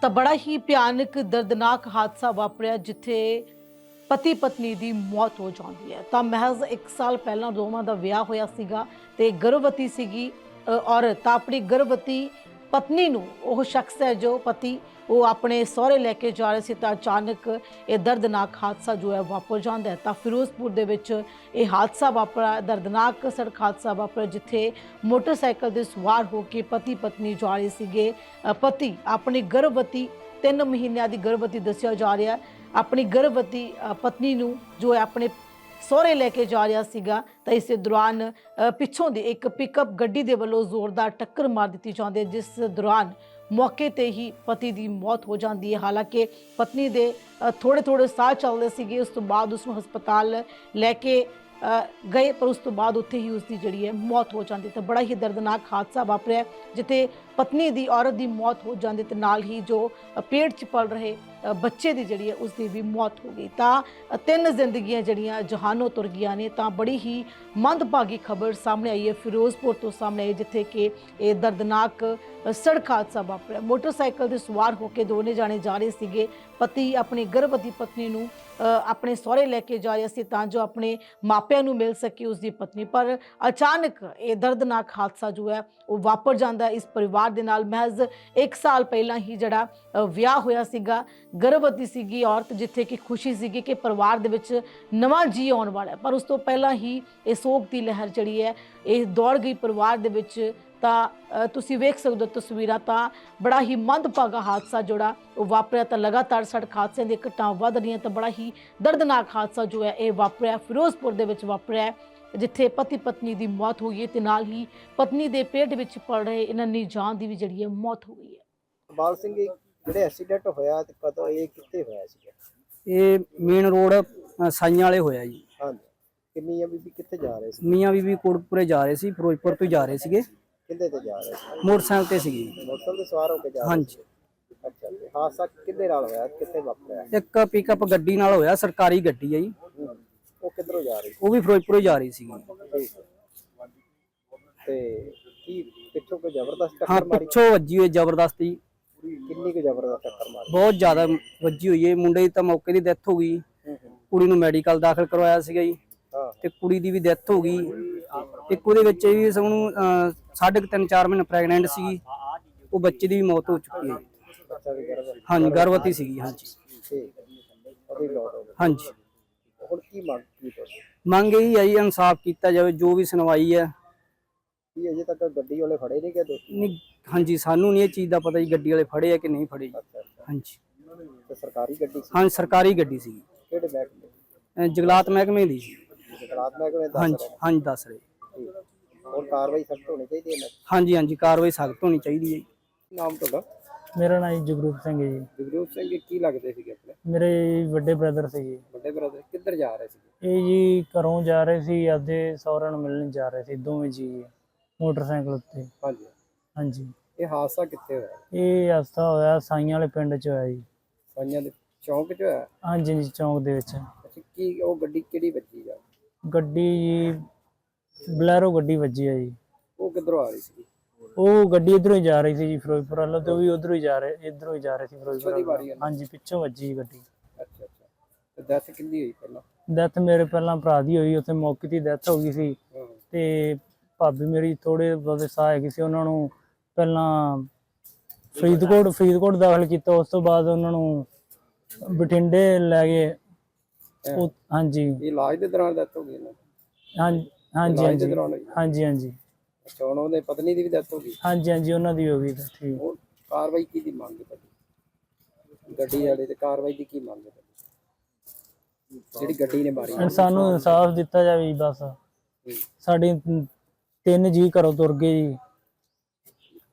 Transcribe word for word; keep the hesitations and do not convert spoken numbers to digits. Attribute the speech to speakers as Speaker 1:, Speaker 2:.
Speaker 1: ਤਾਂ ਬੜਾ ਹੀ ਭਿਆਨਕ ਦਰਦਨਾਕ ਹਾਦਸਾ ਵਾਪਰਿਆ ਜਿੱਥੇ ਪਤੀ ਪਤਨੀ ਦੀ ਮੌਤ ਹੋ ਜਾਂਦੀ ਹੈ। ਤਾਂ ਮਹਿਜ਼ ਇੱਕ ਸਾਲ ਪਹਿਲਾਂ ਦੋਵਾਂ ਦਾ ਵਿਆਹ ਹੋਇਆ ਸੀਗਾ ਤੇ ਗਰਭਵਤੀ ਸੀਗੀ ਅ, ਔਰਤ ਤਾਂ ਆਪਣੀ ਗਰਭਵਤੀ ਪਤਨੀ ਨੂੰ ਉਹ ਸ਼ਖਸ ਹੈ ਜੋ ਪਤੀ ਉਹ ਆਪਣੇ ਸਹੁਰੇ ਲੈ ਕੇ ਜਾ ਰਹੇ ਸੀ ਤਾਂ ਅਚਾਨਕ ਇਹ ਦਰਦਨਾਕ ਹਾਦਸਾ ਜੋ ਹੈ ਵਾਪਰ ਜਾਂਦਾ ਹੈ। ਤਾਂ ਫਿਰੋਜ਼ਪੁਰ ਦੇ ਵਿੱਚ ਇਹ ਹਾਦਸਾ ਵਾਪਰਾ, ਦਰਦਨਾਕ ਸੜਕ ਹਾਦਸਾ ਵਾਪਰਿਆ ਜਿੱਥੇ ਮੋਟਰਸਾਈਕਲ ਦੇ ਸਵਾਰ ਹੋ ਕੇ ਪਤੀ ਪਤਨੀ ਜਾ ਰਹੇ ਸੀਗੇ। ਅ, ਪਤੀ ਆਪਣੀ ਗਰਭਵਤੀ ਤਿੰਨ ਮਹੀਨਿਆਂ ਦੀ ਗਰਭਵਤੀ ਦੱਸਿਆ ਜਾ ਰਿਹਾ ਆਪਣੀ ਗਰਭਵਤੀ ਅ, ਪਤਨੀ ਨੂੰ ਜੋ ਹੈ ਆਪਣੇ ਸਹੁਰੇ ਲੈ ਕੇ ਜਾ ਰਿਹਾ ਸੀਗਾ ਤਾਂ ਇਸੇ ਦੌਰਾਨ ਅ, ਪਿੱਛੋਂ ਦੀ ਇੱਕ ਪਿਕਅਪ ਗੱਡੀ ਦੇ ਵੱਲੋਂ ਜ਼ੋਰਦਾਰ ਟੱਕਰ ਮਾਰ ਦਿੱਤੀ ਜਾਂਦੀ ਹੈ ਜਿਸ ਦੌਰਾਨ ਮੌਕੇ ਤੇ ਹੀ ਪਤੀ ਦੀ ਮੌਤ ਹੋ ਜਾਂਦੀ ਹੈ। ਹਾਲਾਂਕਿ ਪਤਨੀ ਦੇ ਥੋੜੇ ਥੋੜੇ ਸਾਹ ਚੱਲਦੇ ਸੀਗੇ, ਉਸ ਤੋਂ ਬਾਅਦ ਉਸ ਨੂੰ ਹਸਪਤਾਲ ਲੈ ਕੇ ਅ, ਗਏ ਪਰ ਉਸ ਤੋਂ ਬਾਅਦ ਉੱਥੇ ਹੀ ਉਸ ਦੀ ਜਿਹੜੀ ਹੈ ਮੌਤ ਹੋ ਜਾਂਦੀ। ਤਾਂ ਬੜਾ ਹੀ ਦਰਦਨਾਕ ਹਾਦਸਾ ਵਾਪਰਿਆ ਜਿੱਥੇ ਪਤਨੀ ਦੀ ਔਰਤ ਦੀ ਮੌਤ ਹੋ ਜਾਂਦੀ ਤੇ ਨਾਲ ਹੀ ਜੋ ਅ, ਪੇਟ 'ਚ ਪਲ ਰਹੇ ਅ, ਬੱਚੇ ਦੀ ਜਿਹੜੀ ਹੈ ਉਸ ਦੀ ਵੀ ਮੌਤ ਹੋ ਗਈ। ਤਾਂ ਅ, ਤਿੰਨ ਜ਼ਿੰਦਗੀਆਂ ਜਿਹੜੀਆਂ ਜਹਾਨੋਂ ਤੁਰ ਗਈਆਂ ਨੇ। ਤਾਂ ਬੜੀ ਹੀ ਮੰਦਭਾਗੀ ਖਬਰ ਸਾਹਮਣੇ ਆਈ ਹੈ ਫਿਰੋਜ਼ਪੁਰ ਤੋਂ ਸਾਹਮਣੇ ਆਈ ਜਿੱਥੇ ਕਿ ਇਹ ਦਰਦਨਾਕ ਅ, ਸੜਕ ਹਾਦਸਾ ਵਾਪਰਿਆ। ਮੋਟਰਸਾਈਕਲ ਤੇ ਸਵਾਰ ਹੋ ਕੇ ਦੋਨੇ ਜਾਣੇ ਜਾ ਰਹੇ ਸੀਗੇ। ਪਤੀ ਆਪਣੀ ਗਰਭਵਤੀ ਪਤਨੀ ਨੂੰ ਅ, ਆਪਣੇ ਸਹੁਰੇ ਲੈ ਕੇ ਜਾ ਰਿਹਾ ਸੀ ਤਾਂ ਜੋ ਆਪਣੇ ਮਾਪਿਆਂ ਨੂੰ ਮਿਲ ਸਕੇ ਉਸ ਦੀ ਪਤਨੀ, ਪਰ ਅਚਾਨਕ ਇਹ ਦਰਦਨਾਕ ਹਾਦਸਾ ਜੋ ਹੈ ਉਹ ਵਾਪਰ ਜਾਂਦਾ ਇਸ ਪਰਿਵਾਰ ਦੇ ਨਾਲ। ਮਹਿਜ਼ ਇੱਕ ਸਾਲ ਪਹਿਲਾਂ ਹੀ ਜਿਹੜਾ ਅ, ਵਿਆਹ ਹੋਇਆ ਸੀਗਾ, ਗਰਭਵਤੀ ਸੀਗੀ ਔਰਤ, ਜਿੱਥੇ ਕਿ ਖੁਸ਼ੀ ਸੀਗੀ ਕਿ ਪਰਿਵਾਰ ਦੇ ਵਿੱਚ ਨਵਾਂ ਜੀ ਆਉਣ ਵਾਲਾ ਹੈ, ਪਰ ਉਸ ਤੋਂ ਪਹਿਲਾਂ ਹੀ ਇਹ ਸੋਗ ਦੀ ਲਹਿਰ ਜਿਹੜੀ ਹੈ ਇਹ ਦੌੜ ਗਈ ਪਰਿਵਾਰ ਦੇ ਵਿੱਚ। ਤਾਂ ਅ, ਤੁਸੀਂ ਵੇਖ ਸਕਦੇ ਹੋ ਤਸਵੀਰਾਂ, ਤਾਂ ਬੜਾ ਹੀ ਮੰਦਭਾਗਾ ਹਾਦਸਾ ਜਿਹੜਾ ਉਹ ਵਾਪਰਿਆ। ਤਾਂ ਲਗਾਤਾਰ ਸੜਕ ਹਾਦਸਿਆਂ ਦੀਆਂ ਘਟਨਾਵਾਂ ਵੱਧ ਰਹੀਆਂ ਤਾਂ ਬੜਾ ਹੀ ਦਰਦਨਾਕ ਹਾਦਸਾ ਜੋ ਹੈ ਇਹ ਵਾਪਰਿਆ ਫਿਰੋਜ਼ਪੁਰ ਦੇ ਵਿੱਚ ਵਾਪਰਿਆ ਜਿੱਥੇ ਪਤੀ ਪਤਨੀ ਦੀ ਮੌਤ ਹੋਈ ਹੈ ਤੇ ਨਾਲ ਹੀ ਪਤਨੀ ਦੇ ਪੇਟ ਵਿੱਚ ਪਲ ਰਹੇ ਇਹਨਾਂ ਦੀ ਜਾਨ ਦੀ ਵੀ ਜਿਹੜੀ ਹੈ ਮੌਤ ਹੋ ਗਈ ਹੈ।
Speaker 2: ਬਾਲ ਸਿੰਘ ਜੀ, ਜਿਹੜੇ ਐਕਸੀਡੈਂਟ ਹੋਇਆ ਤੇ ਕਦੋਂ ਇਹ ਕਿੱਥੇ ਹੋਇਆ ਸੀਗਾ?
Speaker 3: ਇਹ ਮੇਨ ਰੋਡ ਅ, ਸਾਈਆਂ ਵਾਲੇ ਹੋਇਆ ਜੀ।
Speaker 2: ਹਾਂਜੀ, ਕਿੰਨੀ ਆ ਬੀਬੀ ਕਿੱਥੇ ਜਾ ਰਹੇ ਸੀ?
Speaker 3: ਮੀਆਂ ਬੀਬੀ ਕੋਟਪੁਰੇ ਜਾ ਰਹੇ ਸੀ, ਫਿਰੋਜ਼ਪੁਰ ਤੋਂ ਜਾ ਰਹੇ ਸੀਗੇ,
Speaker 2: ਕਿੱਥੇ ਤੇ ਜਾ ਰਹੇ ਸੀ?
Speaker 3: ਮੋਟਰਸਾਈਕਲ ਤੇ ਸੀਗੇ।
Speaker 2: ਮੋਟਰਸਾਈਕਲ ਤੇ ਸਵਾਰ ਹੋ ਕੇ ਜਾ ਰਹੇ
Speaker 3: ਹਾਂਜੀ।
Speaker 2: ਸੀ? ਅੱਛਾ ਜੀ, ਹਾਦਸਾ ਕਿੱਦੇ ਨਾਲ ਹੋਇਆ, ਕਿੱਥੇ ਵਾਪਰਿਆ?
Speaker 3: ਇੱਕ ਪਿਕਅਪ ਗੱਡੀ ਨਾਲ ਹੋਇਆ, ਸਰਕਾਰੀ ਗੱਡੀ ਹੈ ਜੀ।
Speaker 2: ਹੂੰ। ਉਹ ਕਿੱਧਰੋਂ ਜਾ ਰਹੀ ਸੀ?
Speaker 3: ਉਹ ਵੀ ਫਿਰੋਜ਼ਪੁਰੋਂ ਜਾ ਰਹੀ ਸੀਗੀ।
Speaker 2: ਠੀਕ ਹੈ। ਤੇ ਕੀ ਪਿੱਛੋਂ ਕੋਈ ਜ਼ਬਰਦਸਤ
Speaker 3: ਹਾਂ,
Speaker 2: ਟੱਕਰ ਮਾਰੀ?
Speaker 3: ਪਿੱਛੋਂ ਵੱਜੀ ਹੋਈ ਜ਼ਬਰਦਸਤੀ,
Speaker 2: ਕਿੰਨੀ ਕੁ ਜ਼ਬਰਦਸਤ ਟੱਕਰ ਮਾਰੀ?
Speaker 3: ਬਹੁਤ ਜ਼ਿਆਦਾ ਵੱਜੀ ਹੋਈ ਹੈ। ਮੁੰਡੇ ਦੀ ਤਾਂ ਮੌਕੇ ਦੀ ਡੈਥ ਹੋ ਗਈ,
Speaker 2: ਹੂੰ ਹੂੰ।
Speaker 3: ਕੁੜੀ ਨੂੰ ਮੈਡੀਕਲ ਦਾਖਲ ਕਰਵਾਇਆ ਸੀਗਾ ਜੀ
Speaker 2: ਹਾਂ।
Speaker 3: ਤੇ ਕੁੜੀ ਦੀ ਵੀ ਡੈਥ ਹੋ ਗਈ। ਇੱਕ ਉਹਦੇ ਵਿੱਚ ਵੀ ਸਭ ਨੂੰ ਅ, ਸਾਢੇ ਕੁ ਤਿੰਨ ਚਾਰ ਮਹੀਨੇ ਪ੍ਰੈਗਨੈਂਟ ਸੀਗੀ, ਉਹ ਬੱਚੇ ਦੀ ਵੀ ਮੌਤ ਹੋ ਚੁੱਕੀ ਹੈ।
Speaker 2: ਬੱਚਾ ਵੀ ਗਰਭ?
Speaker 3: ਹਾਂਜੀ, ਗਰਭਵਤੀ ਸੀਗੀ। ਹਾਂਜੀ
Speaker 2: ਠੀਕ ਹੈ। ਉਹਦੀ ਲੋਟ ਹੋ ਗਈ।
Speaker 3: ਹਾਂਜੀ।
Speaker 2: ਹੁਣ ਕੀ ਮੰਗ ਕੀ ਤੁਹਾਡੀ?
Speaker 3: ਮੰਗ ਇਹੀ ਹੈ ਜੀ, ਇਨਸਾਫ ਕੀਤਾ ਜਾਵੇ, ਜੋ ਵੀ ਸੁਣਵਾਈ ਹੈ।
Speaker 2: ਕੀ ਅਜੇ ਤੱਕ ਗੱਡੀ ਵਾਲੇ ਫੜੇ ਨਹੀਂ ਗਏ ਦੋਸ਼ੀ?
Speaker 3: ਨਹੀਂ, ਹਾਂਜੀ, ਸਾਨੂੰ ਨਹੀਂ ਇਹ ਚੀਜ਼ ਦਾ ਪਤਾ ਜੀ ਗੱਡੀ ਵਾਲੇ ਫੜੇ ਆ ਕਿ ਨਹੀਂ ਫੜੇ ਜੀ।
Speaker 2: ਅੱਛਾ ਅੱਛਾ।
Speaker 3: ਹਾਂਜੀ
Speaker 2: ਤੇ ਸਰਕਾਰੀ ਗੱਡੀ ਸੀ?
Speaker 3: ਹਾਂ, ਸਰਕਾਰੀ ਗੱਡੀ ਸੀ,
Speaker 2: ਕਿਹੜੇ ਮਹਿਕਮੇ?
Speaker 3: ਜਗਲਾਤ ਮਹਿਕਮੇ ਦੀ ਸੀ।
Speaker 2: ਜਗਲਾਤ ਮਹਿਕਮੇ ਦੱਸ
Speaker 3: ਹਾਂਜੀ
Speaker 2: ਰਹੇ?
Speaker 3: ਹਾਂਜੀ ਦੱਸ ਰਹੇ।
Speaker 2: ਠੀਕ। ਹੁਣ ਕਾਰਵਾਈ ਸਖਤ ਹੋਣੀ ਚਾਹੀਦੀ ਹੈ ਨਾ?
Speaker 3: ਹਾਂਜੀ ਹਾਂਜੀ, ਕਾਰਵਾਈ ਸਖਤ ਹੋਣੀ ਚਾਹੀਦੀ ਹੈ ਜੀ।
Speaker 2: ਨਾਮ ਤੁਹਾਡਾ?
Speaker 4: ਮੇਰਾ ਨਾਮ ਜੀ ਜਗਰੂਪ ਸਿੰਘ ਹੈ ਜੀ।
Speaker 2: ਜਗਰੂਪ ਸਿੰਘ ਜੀ, ਕੀ ਲੱਗਦੇ ਸੀਗੇ ਆਪਣੇ?
Speaker 4: ਮੇਰੇ ਵੱਡੇ ਬ੍ਰਦਰ ਸੀ ਜੀ।
Speaker 2: ਵੱਡੇ ਬ੍ਰਦਰ ਕਿੱਧਰ ਜਾ ਰਹੇ ਸੀਗੇ?
Speaker 4: ਇਹ ਜੀ ਘਰੋਂ ਜਾ ਰਹੇ ਸੀ, ਆਪਦੇ ਸਹੁਰਿਆਂ ਨੂੰ ਮਿਲਣ ਜਾ ਰਹੇ ਸੀ, ਦੋਵੇਂ ਜੀ ਮੋਟਰਸਾਈਕਲ ਉੱਤੇ।
Speaker 2: ਹਾਂਜੀ।
Speaker 4: ਹਾਂਜੀ।
Speaker 2: ਇਹ ਹਾਦਸਾ ਕਿੱਥੇ ਹੋਇਆ?
Speaker 4: ਇਹ ਹਾਦਸਾ ਹੋਇਆ ਸਾਈਆਂ ਵਾਲੇ ਪਿੰਡ 'ਚ ਹੋਇਆ ਜੀ।
Speaker 2: ਸਾਈਆਂ ਦੇ ਚੌਂਕ 'ਚ ਹੋਇਆ?
Speaker 4: ਹਾਂਜੀ ਜੀ, ਚੌਂਕ ਦੇ ਵਿੱਚ।
Speaker 2: ਅੱਛਾ, ਕੀ ਉਹ ਗੱਡੀ ਕਿਹੜੀ ਵੱਜੀ ਜਾ?
Speaker 4: ਗੱਡੀ ਜੀ ਬਲੈਰੋ ਗੱਡੀ ਵੱਜੀ ਹੈ ਜੀ।
Speaker 2: ਉਹ ਕਿੱਧਰੋਂ ਆ ਰਹੀ ਸੀ?
Speaker 4: ਉਹ ਗੱਡੀ ਇੱਧਰੋਂ ਹੀ ਜਾ ਰਹੀ ਸੀ ਜੀ ਫਿਰੋਜ਼ਪੁਰ ਵੱਲੋਂ, ਤੇ ਉਹ ਵੀ ਉੱਧਰੋਂ ਹੀ ਜਾ ਰਹੇ ਇੱਧਰੋਂ ਹੀ ਜਾ ਰਹੇ ਸੀ ਫਿਰੋਜ਼ਪੁਰ
Speaker 2: ਪਿੱਛੋਂ ਦੀ ਵਾਰੀ
Speaker 4: ਵੱਲੋਂ।
Speaker 2: ਆ?
Speaker 4: ਹਾਂਜੀ, ਪਿੱਛੋਂ ਵੱਜੀ ਗੱਡੀ।
Speaker 2: ਅੱਛਾ ਅੱਛਾ। ਤੇ ਡੈਥ ਕਿੰਨੀ ਹੋਈ ਪਹਿਲਾਂ?
Speaker 4: ਡੈਥ ਮੇਰੇ ਪਹਿਲਾਂ ਭਰਾ ਦੀ ਹੋਈ, ਉੱਥੇ ਮੌਕੇ ਦੀ ਡੈਥ ਹੋ ਗਈ ਸੀ।
Speaker 2: ਹਾਂ।
Speaker 4: ਤੇ ਭਾਬੀ ਮੇਰੀ ਥੋੜੇ ਬਹੁਤੇ ਸਾਹ ਹੈਗੇ ਸੀ, ਉਹਨਾਂ ਨੂੰ ਪਹਿਲਾਂ ਫਰੀਦਕੋਟ ਫਰੀਦਕੋਟ ਦਾਖਲ ਕੀਤਾ, ਉਸ ਤੋਂ ਬਾਅਦ ਉਹਨਾਂ ਨੂੰ ਬਠਿੰਡੇ ਲੈ ਗਏ। ਉਹ- ਹਾਂਜੀ
Speaker 2: ਇਹ ਇਲਾਜ ਦੇ ਦੌਰਾਨ ਡੈਥ ਹੋ ਗਈ ਇਹਨਾਂ ਦੀ?
Speaker 4: ਹਾਂਜੀ ਹਾਂਜੀ
Speaker 2: ਇਲਾਜ ਦੇ
Speaker 4: ਹਾਂਜੀ
Speaker 2: ਦੌਰਾਨ ਹੋਈ?
Speaker 4: ਹਾਂਜੀ ਹਾਂਜੀ
Speaker 2: ਅੱਛਾ, ਹੁਣ ਉਹਦੇ ਪਤਨੀ ਦੀ ਵੀ ਡੈਥ ਹੋ ਗਈ?
Speaker 4: ਹਾਂਜੀ ਹਾਂਜੀ, ਉਹਨਾਂ ਦੀ ਹੋ ਗਈ ਤਾਂ ਠੀਕ।
Speaker 2: ਹੁਣ ਕਾਰਵਾਈ ਕੀ ਦੀ ਮੰਗ ਹੈ ਤੁਹਾਡੀ? ਗੱਡੀ ਵਾਲੇ ਤੇ ਕਾਰਵਾਈ ਦੀ ਕੀ ਮੰਗ ਹੈ ਤੁਹਾਡੀ? ਜਿਹੜੀ ਗੱਡੀ ਨੇ ਮਾਰੀ?
Speaker 4: ਹੁਣ ਸਾਨੂੰ ਇਨਸਾਫ ਦਿੱਤਾ ਜਾਵੇ ਜੀ ਬਸ।
Speaker 2: ਹੂੰ।
Speaker 4: ਸਾਡੇ ਤਿੰਨ ਜੀ ਘਰੋਂ ਤੁਰ ਗਏ ਜੀ,